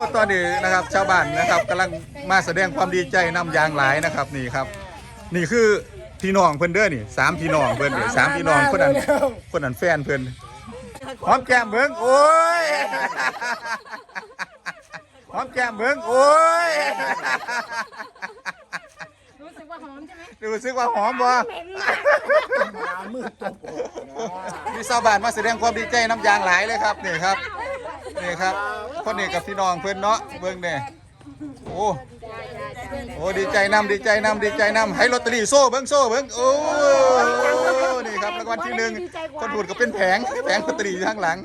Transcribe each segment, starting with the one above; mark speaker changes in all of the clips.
Speaker 1: ตอนนี้นะครับชาวบ้านนะครับกำลังมาแสดงความดีใจน้ำยางหลายนะครับนี่ครับนี่คือพี่น้องเพิ่นเด้อนี่3พี่น้องเพิ่นนี่3พี่น้องคนนั้นแฟนเพิ่นหอมแก้มเบิ่งโอ้ยหอมแก้มเบิ่งโอ้ย
Speaker 2: รู้สึกว่าหอมใช่ไหม
Speaker 1: รู้สึกว่าหอมบ่มีชาวบ้านมาแสดงความดีใจน้ำยางหลายเลยครับนี่ครับนี่ครับคนนี้กับพี่น้องเพื่อนเนาะเบิ่งเนี่ยโอ้ดีใจนำดีใจนำดีใจนำให้ลอตเตอรี่โซ่เบิ่งโอ้นี่ครับรางวัลที่1คนถูกก็เป็นแผงลอตเตอรี่ข้างหลัง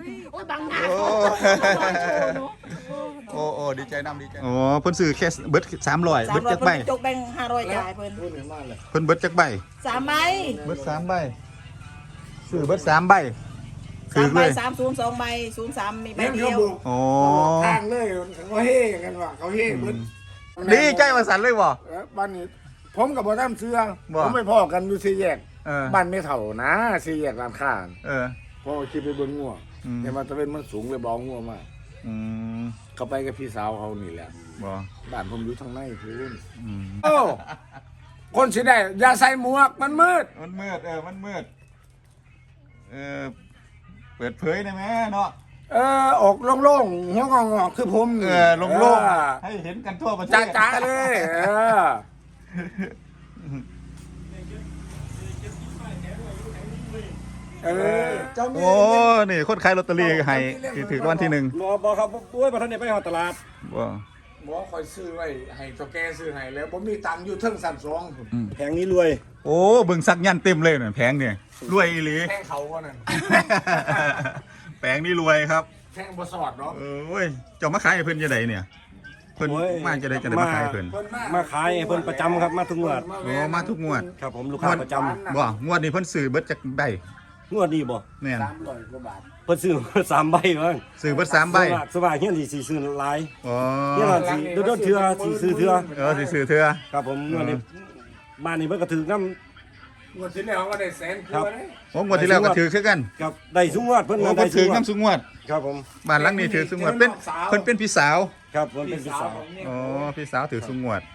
Speaker 1: โอ้ดีใจนำดีใจโอ้เพิ่นซื้อแค่เบิด300เบิดจักใบ
Speaker 3: จกแบ่ง500จ่ายเพิ่น
Speaker 1: เบิดจักใบ
Speaker 3: 3ใบ
Speaker 1: เบิด3ใบซื้อเบิด3ใบ
Speaker 3: 3ใบ302ใบ03มีใบเดียว
Speaker 1: โอ้
Speaker 4: ทางเลยเขาเฮ่กันว่ะเขาเฮ่เบิด
Speaker 1: ดีใจว่าสันเลยบ่
Speaker 4: บ้านนี้ผมกับบ่ทำเสื้อผมไม่พ่อกันดูสี่แยกบ้านไม่เท่านะสี่แยกร้านค้าพ่อคิดไปเบิ่งงัวแต่ว่าตะเวนมันสูงเลยบ่งัวมากเขาไปกับพี่สาวเขานี่แหละบ้านผมอยู่ทางในพื้นโอ้คนสิได้อย่าใส่หมวกมันมืด
Speaker 1: มันมืดเปิดเผยได้ไหมเนาะ
Speaker 4: ออกโล่งๆหัวงอกๆคือผม
Speaker 1: โล่งๆให้เห็นกันทั่วประเทศ
Speaker 4: จ้าๆเลย
Speaker 1: โอ้นี่คนขายลอตเตอรี่ให้ถือรางวัลที่1
Speaker 5: บ่ครับด้วยประธานเนี่ยไปหอตลาด
Speaker 4: หมอคอยซื้อไว้ให้เจ้าแกซื้อให้แล้วผมมีตังค์อยู่เทิง
Speaker 5: แผงนี้รวย
Speaker 1: โอ้เบิ่งสักยันเต็มเลยน่ะแผงเนี่ยรวยอีหลี
Speaker 4: แพงเขาว่านั่น
Speaker 1: แผงนี่รวยครับ
Speaker 4: แพงบ่สอดเนาะ
Speaker 1: เจ้ามาขายให้เพิ่นจังได๋เนี่ยเพิ่นมาจะได้มาขายเพิ่น
Speaker 5: มาขายเพิ่นประจำครับมาทุกงวด
Speaker 1: โอ้มาทุกงวด
Speaker 5: ครับผมลูกค้าประจำ
Speaker 1: บ่งวดนี้เพิ่นซื้อเบิดจักใบ
Speaker 5: งวดนี้บ่
Speaker 1: แม่น
Speaker 4: 300กว่าบาท
Speaker 5: เพิ่นซื้อ3ใบมั้ง
Speaker 1: ซื้อเบิด3ใบ
Speaker 5: สบายเฮียนสิซื้อหลาย
Speaker 1: อ๋อ
Speaker 5: เฮียนสิโดนเทื่อสิซื้อเทื่อ
Speaker 1: สิซื้อเทื่อ
Speaker 5: ครับผมงวดนี้บ้านนี้เพิ่นก็ถือนำ
Speaker 4: งวดที่แล้วก็ได้แสนกว่าเลย
Speaker 1: งวดที่แล้วก็ถือคือกัน
Speaker 5: ครับได้สุงวดเพิ่น
Speaker 1: ได้ถือนำสุงวด
Speaker 5: ครับผม
Speaker 1: บ้านหลังนี้ถือสุงวดเป็นเพิ่นเป็นพี่สาว
Speaker 5: ครับเพิ่นเป็นพี่สาว
Speaker 1: อ๋อพี่สาวถือสุงวด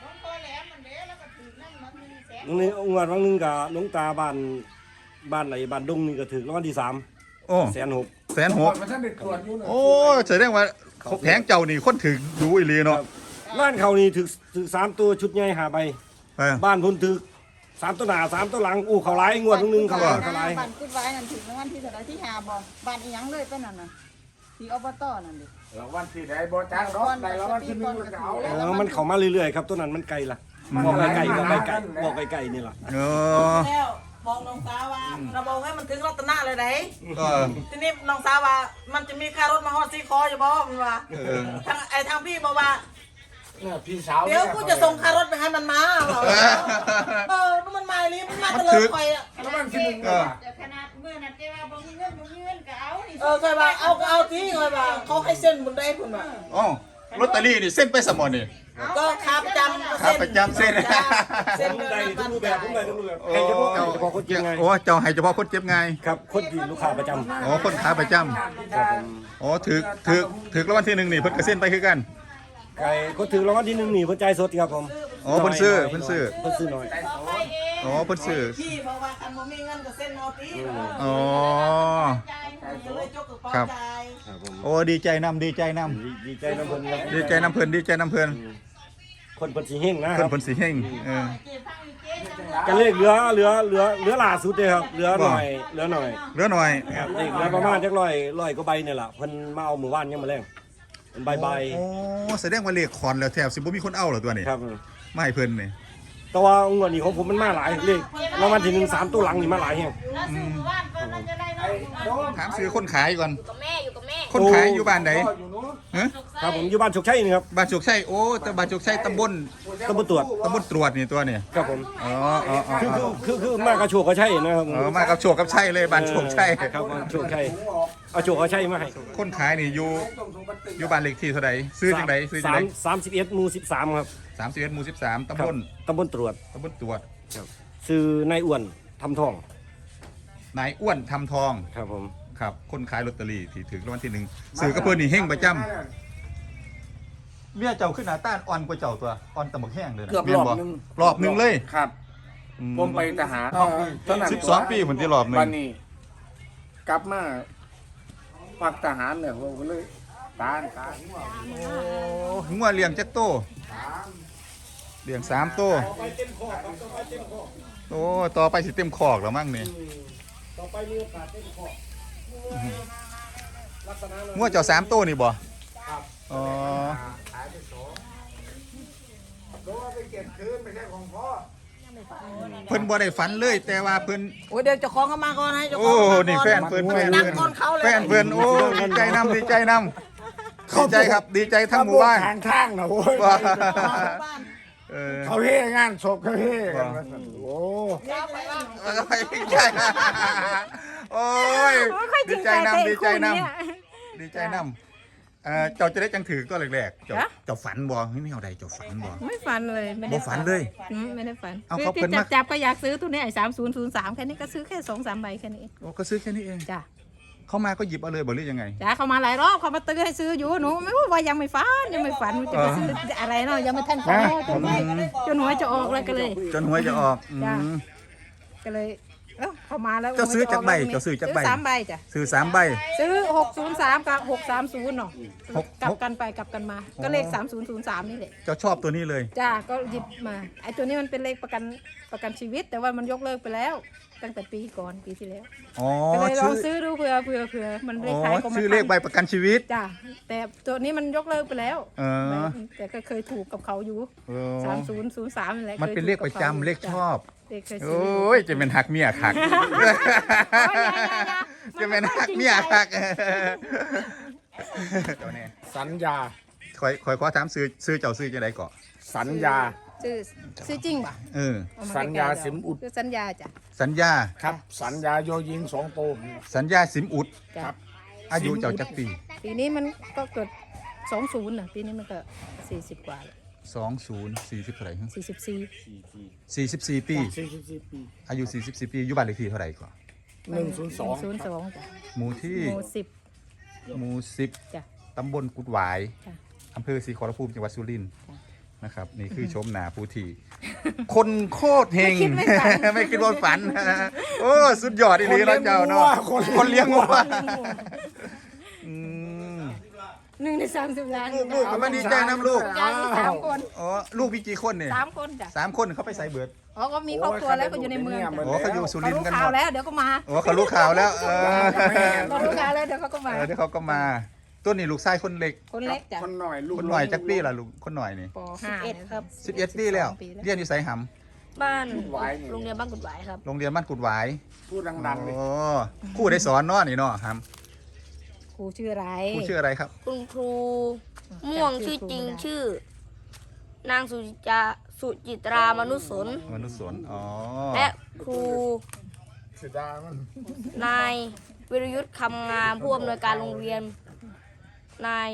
Speaker 5: นี่งวดวันนึงก็หลวงตาบ้านไหนบ้านดงนี่ก็ถือรางวัลที่3
Speaker 1: โอ้160,000โอ้แสดงว่าแผงเจ้านี่คนถือดูอีหลีเนาะ
Speaker 5: บ้านเขานี่ถือ3ตัวชุดใหญ่5ใบบ้านพุ่นถือ3ตัวหน้า3ตัวหลังเขาหลายงวดนึงเขาหลาย
Speaker 2: บ้านกุดไว้นั่นถึงรางวัลที่เท่าไหร่ที่5บ่บ้านอีหยังเลยเป็นนั่นน่ะที่อบตนั่นดิ
Speaker 4: รางวัลที่ใดบ่จ้างดอกได้รางวัลที่1ก็เอา
Speaker 5: มันเข้ามาเรื่อยๆครับตัวนั้นมันไกลล่ะบอกไกลนี่ล่ะ
Speaker 3: แล้วบอกน้องสาวว่าเราบอกให้มันถึงรัตนะเลยไหนทีนี้น้องสาวว่ามันจะมีค่ารถมาฮอดซีคออยู่บ่มันว่าทางพี่บอกว่า
Speaker 4: พี่สาว
Speaker 3: เดี๋ยวกูจะส่งค่ารถไปให้มันมามันมาลีมันมาตะเลยคอย
Speaker 4: แล้วมันที่1
Speaker 2: ขนาดเมื่อนั้นเจ้าว่าบ่มีเงินก็เอานี่
Speaker 3: เคยว่าเอาที่เคยว่าเขาให้เส้นบนได้พุ่นว่า
Speaker 1: ลอตเตอรี่นี่เส้นไปสมอนี่
Speaker 3: ก็ค้าประจ
Speaker 1: ำเส้น
Speaker 5: ได้ทุกรูปแบบผมได้ทุกรูปแบบให้เฉพาะคนเจ็บไง
Speaker 1: เจ้าให้เฉพาะคนเจ็บไง
Speaker 5: ครับคนที่ลูกค้าประจ
Speaker 1: ำคนค้าประจำถือรางวัลที่1นี่เพิ่นก็เส้นไปคือกัน
Speaker 5: ไก่ก็ถือรางวัลที่1นี่เพิ่นจ่ายสดครับผม
Speaker 1: เพิ่นซื้อ
Speaker 5: หน่อย
Speaker 1: เพิ่นซื้อ
Speaker 3: พี่เพราะว่าคันบ่มีเงินก็เส้นเอาตี
Speaker 1: ครับดีใจนำ
Speaker 5: ดีใจนำเพิ่น
Speaker 1: ดีใจนำเพิ่น
Speaker 5: คนเพิ่นสิเฮงนะ
Speaker 1: คนเพิ่นสิเฮง
Speaker 5: กันเลขเหลือล่าสุดเลยครับเหลือหน่อย
Speaker 1: ครับ
Speaker 5: เหลือประมาณจัก100กว่าใบนี่ล่ะเพิ่นมาเอามื้อวานยังมาแลงเป็นใบ
Speaker 1: แสดงว่าเลขคอนแล้วแถบสิบ่มีคนเอาเหรอตัวนี้
Speaker 5: ครับ
Speaker 1: ไม่เพิ่นนี่
Speaker 5: แต่ว่างวดนี้ของผมมันมาหลายเลขรางวัลที่1 3ตัวหลังนี่มาหลายแฮง
Speaker 1: ถามซื้อคนขายก่อน
Speaker 2: อยู่กับแม่
Speaker 1: คนขายอยู่บ้านไหน
Speaker 5: ครับผมอยู่บ้านโชคชัยนี่ครับ
Speaker 1: บ้านโชคชัยแต่บ้านโชคชัยตำบล
Speaker 5: ตรวจ
Speaker 1: นี่ตัวนี่
Speaker 5: ครับผมคือมากกับโชคก็ใช่นะครับ
Speaker 1: มากับโชคกับชัยเลยบ้านโชคชัย
Speaker 5: ครับโชคชัยเอาโชคก็ใช่มาให้
Speaker 1: คนขายนี่อยู่บ้านเลขที่เท่าไหร่ซื้อจังได๋
Speaker 5: 31หมู่13ครับ
Speaker 1: 31หมู่13ตำบลตรวจ
Speaker 5: ครับซื้อนายอ้วนทำทอง
Speaker 1: นายอ้วนทำทอง
Speaker 5: ครับผม
Speaker 1: ครับคนขายลอตเตอรี่ที่ถือรางวัลที่1ซื้อกับเพิ่นนี่เฮงประจำเมียเจ้าขึ้นหน้าต้านอ่อนกว่าเจ้าตัวอ่อนตะบักแห้งเลยนะ
Speaker 4: เกือบ
Speaker 1: แม่น
Speaker 4: รอบหนึง
Speaker 1: รอบหนึงเลย
Speaker 4: ครับ ผมไปทหารตอนนั้น
Speaker 1: 12 ปีผมที่รอบหนึง
Speaker 4: วันนี้กลับมาพักทหารเนี่ยผมก็เลยตาน
Speaker 1: โอ้งัวเลี้ยงจักโตเลี้ยง3โตโอ้ต่อไปสิเต็มคอกแล้วมั้งนี่
Speaker 5: ต่อไปมีโอกาสได้ขอลักษณะเลย
Speaker 1: งัวเจ้า3โตนี่บ่
Speaker 5: ครับ
Speaker 1: อ๋อ
Speaker 4: ขายไป2โดนไปเก็บคืนไม่ใช่ของพ่อ
Speaker 1: เพิ่นบ่ได้ฝันเลยแต่ว่าเพิ่น
Speaker 3: โอ้ยเดี๋ยวเจ้าของเขามาก่อนให้เจ้าข
Speaker 1: โอ้
Speaker 3: องเขามาก่อน
Speaker 1: นี่แฟนเพิ่นแฟน
Speaker 3: นั่ง
Speaker 1: เพิ่น
Speaker 3: ก่อนเขาเลย
Speaker 1: แฟนเพิ่นโอ้ดีใจนำดีใจนำดีใจครับดีใจทั้งหมู่บ้าน
Speaker 4: ทางทางนะโอ้ย
Speaker 1: ว่า
Speaker 3: บ้าน
Speaker 1: เออ
Speaker 4: เขาเฮ่งานศพเขาเฮ่กันมาสั่นโอ้
Speaker 1: ไปดีใจโอ้ยดีใจนำดีใจนำดีใจนำเจ้าจะได้จังถือก็แรกๆเจ้าฝันบ่ไม่เอาใดเจ้าฝันบ่
Speaker 6: ไม่ฝันเลยไม่
Speaker 1: บ่
Speaker 6: ได้
Speaker 1: ฝันเลย
Speaker 6: ไม่ได้ฝัน
Speaker 1: เอา
Speaker 6: คือ
Speaker 1: เขา
Speaker 6: ที่
Speaker 1: เพิ่นมา
Speaker 6: จับก็อยากซื้อตัวนี้ไอ้3003แค่นี้ก็ซื้อแค่2-3 ใบแค่นี้
Speaker 1: โอ้ก็ซื้อแค่นี้เอง
Speaker 6: จ้ะ
Speaker 1: เขามาก็หยิบเอาเลยบ่หรือยังไง
Speaker 6: จ้ะเขามาหลายรอบเขามาตื้อให้ซื้ออยู่หนูไม่รู้ว่ายังไม่ฝันมันจะไปซื้ออะไรเนาะยังไม่ทันฝันจนหัวจะออกเลยก็เลย
Speaker 1: จนหวยจะออกม
Speaker 6: ก็เลยเขามาแล้ว
Speaker 1: เจ้าซื้อจากใบเจ้าซื้อจากใบ
Speaker 6: 3 ใบจ้ะ
Speaker 1: ซื้อ3ใบ
Speaker 6: ซื้อ603กับ630เนาะ
Speaker 1: หก
Speaker 6: กลับกันไปกลับกันมา ก็เลข3003นี่แหละ
Speaker 1: เจ้าชอบตัวนี้เลย
Speaker 6: จ้าก็หยิบมาไอ้ตัวนี้มันเป็นเลขประกันชีวิต แต่ว่ามันยกเลิกไปแล้ว ตั้งแต่ปีก่อนปีที่แล้ว
Speaker 1: อ๋อ
Speaker 6: ก็เลยลอง
Speaker 1: ซื้อ
Speaker 6: ซื้อดูเผื่อมันเล
Speaker 1: อ๋
Speaker 6: ข
Speaker 1: อ
Speaker 6: ท้ายก็มา
Speaker 1: ซื้อเลขใบประกันชีวิต
Speaker 6: จ้าแต่ตัวนี้มันยกเลิกไปแล้ว
Speaker 1: เออ
Speaker 6: แต่ก็เคยถูกกับเขาอยู่
Speaker 1: เออ
Speaker 6: 3003นี่แหละ
Speaker 1: มันเป็นเลขประจำเลขชอบ
Speaker 6: เลขเคย
Speaker 1: โอ
Speaker 6: ซื้อ
Speaker 1: ้ยจะเป็นหักเมียคักจะเป็นหักเมียคักเจ้าเนี่ย
Speaker 4: สัญญา
Speaker 1: คอยขอถามซื้อเจ้าซื้อจะไดก่อน
Speaker 4: สัญญา
Speaker 6: ซื้อจริงป่ะ
Speaker 1: เออ
Speaker 6: เอม
Speaker 4: สัญญา
Speaker 6: ใกล้ๆ
Speaker 4: สิมอุด
Speaker 6: ซื้อสัญญาจ้ะ
Speaker 1: สัญญา
Speaker 4: ครับ สัญญาโยยิง2โต
Speaker 1: สัญญาสิมอุด
Speaker 6: จ้ะ
Speaker 4: ครับ
Speaker 1: อายุเจ้าจักปี
Speaker 6: ปีนี้มันก็เกิด20น่ะปีนี้มันก็40กว่าแล้ว
Speaker 1: 40เท่าไหร่ฮะ
Speaker 6: 44
Speaker 1: 44 ปี
Speaker 4: 44 ปี
Speaker 1: อายุ44 ปีอยู่บ้านเลขที่เท่าไหร่ก่อน
Speaker 4: 102
Speaker 6: 02จ้ะ
Speaker 1: หมู่ที่
Speaker 6: หมู่
Speaker 1: หมู่
Speaker 6: 10จ้ะ
Speaker 1: 10ตำบลกุดหวาย
Speaker 6: จ้ะ
Speaker 1: อำเภอศรีขอรภูมิจังหวัดสุรินทร์
Speaker 6: จ้ะ
Speaker 1: นะครับนี่คือชมหนาผู้ทีคนโคตรเฮง ไม่คิดว่าฝัน โอ้สุดยอดอีหลีแล้วเจ้าเนาะคนเลี้ยงวัวอืม
Speaker 6: 1 ใน 30 ล้าน
Speaker 1: ลูกก็มาดีใจน้ำลูก
Speaker 6: จ้ามี3 คน
Speaker 1: อ๋อลูกมีกี่คนเนี่ย
Speaker 6: 3 คนจ้ะ
Speaker 1: 3 คนเขาไปใส่เบิด
Speaker 6: อ๋อก็มีครอบครัวแล้วก็อยู่ในเมืองจ้ะ
Speaker 1: โอ้เขาอยู่สุรินทร์กันห
Speaker 6: ข่าม ว
Speaker 1: ด
Speaker 6: แล้วเดี๋ยวก็มา
Speaker 1: โอ้เขารู้ข่าวแล้ว
Speaker 6: พอรู้ข่าวแล้วเดี๋ยวเขาก็มา
Speaker 1: เดี๋ยวเขาก็มาตัวนี้ลูกชายคนเล็ก
Speaker 6: คนเล็กจ้ะ
Speaker 4: คนหน่อยลูก
Speaker 1: คนหน่อยจักปีล่ะลูกคนหน่อยนี่
Speaker 6: ป .5 ครับ
Speaker 1: 11 ปีแล้วเรียนอยู่ไสห
Speaker 7: บ้าน
Speaker 4: ไว้นี่
Speaker 7: โรงเรียนบ้านกุดหวายครับ
Speaker 1: ำโรงเรียนบ้านกุดหวาย
Speaker 4: พูดดังๆเลย
Speaker 1: โอ้ครู่ได้สอนเนาะนี่เนาะห
Speaker 6: ครูชื่ออะไร
Speaker 1: ำครู่ชื่ออะไรครับ
Speaker 7: คุณครูม่วงชื่อจริงชื่อนางสุจิตรามนุสน
Speaker 1: มนุษย์สวนอ๋อ
Speaker 7: และครู
Speaker 4: เสียดายมัน
Speaker 7: นายวิรยุทธ์คำงามผู้อำนวยการโรงเรียนนาย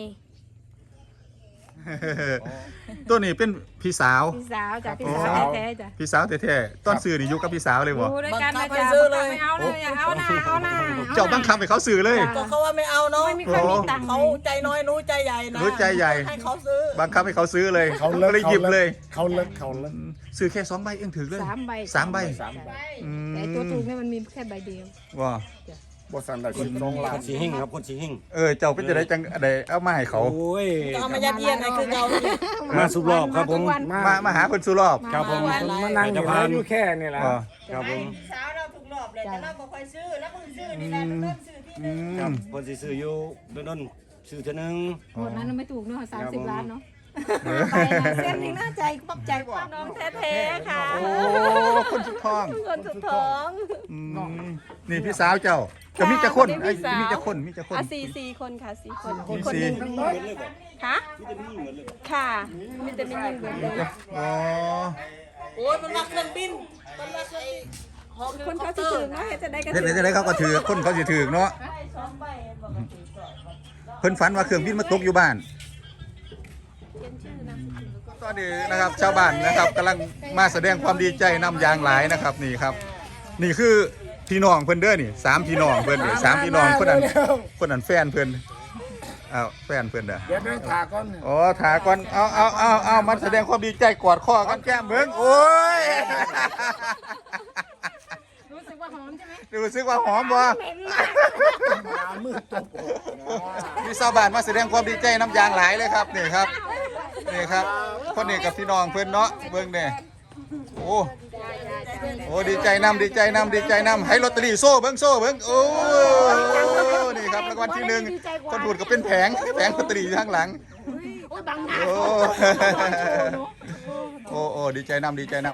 Speaker 1: ตัวนี้เป็นพี่สาว
Speaker 6: พี่สาวจ้ะพี่สาวแท้ๆจ้ะ
Speaker 1: พี่สาวแท้ๆต้นซื้อนี่อยู่กับพี่สาวเลยบ่
Speaker 6: ดูด้วยกันนะจ๊ะไม่เอาเลยอย่าเอาหน้าเอาหน้า
Speaker 1: เจ้าบังคับให้เขาซื้อเลย
Speaker 3: ก็เขาว่าไม่เอาเนาะ
Speaker 6: ไม่มีใครมีตังค์
Speaker 3: เขาใจน้อยหนู้ใจใหญ่นะ
Speaker 1: หนูใจใหญ่
Speaker 3: ให้เขาซื้อ
Speaker 1: บังคับให้เขาซื้อเลย
Speaker 4: เขาเลิก
Speaker 1: เลยหยิบเลย
Speaker 4: เขาเลิก
Speaker 1: ซื้อแค่2 ใบเองถือเลย
Speaker 6: 3 ใบ
Speaker 1: 3 ใบ
Speaker 4: 3 ใบ
Speaker 1: อืม
Speaker 6: แต่ตัวถูกเนี่ยมันมีแค่ใบเดียว
Speaker 1: ว่า
Speaker 4: บ่สั่นได้12ล้า
Speaker 5: คน นสีหิ่งครับคนสีหิ่ง
Speaker 1: เจ้าเป็นจะได้จังได้เอามาให้เขา
Speaker 5: โอ้ย
Speaker 3: ก็เอามายัดเยียดให้คือเราเนี่ย
Speaker 5: มาสุบรอบครับผม
Speaker 1: มาหาคนสุรอบ
Speaker 5: ครับผม
Speaker 4: มานั่งอยู่แล้วอยู่แค่นี่แหละ
Speaker 1: ว่า
Speaker 5: ครับผม
Speaker 3: สาวเราถูกหลอกเลยแต่เราบอกคอยซื้อแล้วมึงซื้อนี่แหละเริ่มซื้อที่
Speaker 5: ครับคนสีซื้ออยู่โดนซื้อเท่านึง
Speaker 6: หมดนั้นไม่ถูกเนาะ30 ล้านเนาะไปนะเส้นหนึ่งหน้าใจปักใจกว่า
Speaker 7: น้องแท้ๆค่ะ
Speaker 1: โอ้คนสุดท้อง
Speaker 7: คนสุดท้อง
Speaker 1: อืมนี่พี่สาวเจ้าจะมีจะคนเอ้ยมีจะคน
Speaker 7: สี่คนค่ะ4 คน
Speaker 1: มี
Speaker 7: คน
Speaker 1: สี่
Speaker 7: หนึ่งค่ะค่ะมีแต่ไม่ยิงเหมือนเลย
Speaker 1: อ๋อ
Speaker 3: โอ้ยมันรักเครื่องบินมันรักไอ้ฮอล
Speaker 6: คนเขาจะถึงเนาะจะได้กัน
Speaker 1: เดี๋ยวเขาก็ถือคนเขาสิถือเนาะเพิ่นฝันว่าเครื่องบินมาตกอยู่บ้านตอนนี้นะครับชาวบ้านนะครับกำลังมาแสดงความดีใจนำยางหลายนะครับนี่ครับ นี่คือพี่น้องเพิ่นเด้อนี่3พี่น้องเพิ่นนี่3พี่น้องคนนั้นแฟนเพิ่นอ้าวแฟนเพื่อนเด้อ
Speaker 4: เดี๋ยวได้ถาก่อน
Speaker 1: อ๋อถาก่อนเอามาแสดงความดีใจกอดข้อกันแก้มเบิ้งโอ้ย
Speaker 6: รู้สึกว่าหอมใช่ไหม
Speaker 1: รู้สึกว่าหอมบ่
Speaker 4: มือตบ
Speaker 1: มีชาวบ้านมาแสดงความดีใจน้ำยางหลายเลยครับนี่ครับนี่ครับคนนี้กับพี่น้องเพื่อนเนาะเบิ้งเนี่ยโอ้ดีใจนำดีใจนำดีใจนำให้ลอตเตอรี่โซ่เบิ้งโอ้นี่ครับรางวัลที่ 1คนถูกก็เป็นแผงลอตเตอรี่ข้างหลัง
Speaker 6: โอ้ยบางหน้า
Speaker 1: โอ้ดีใจนำ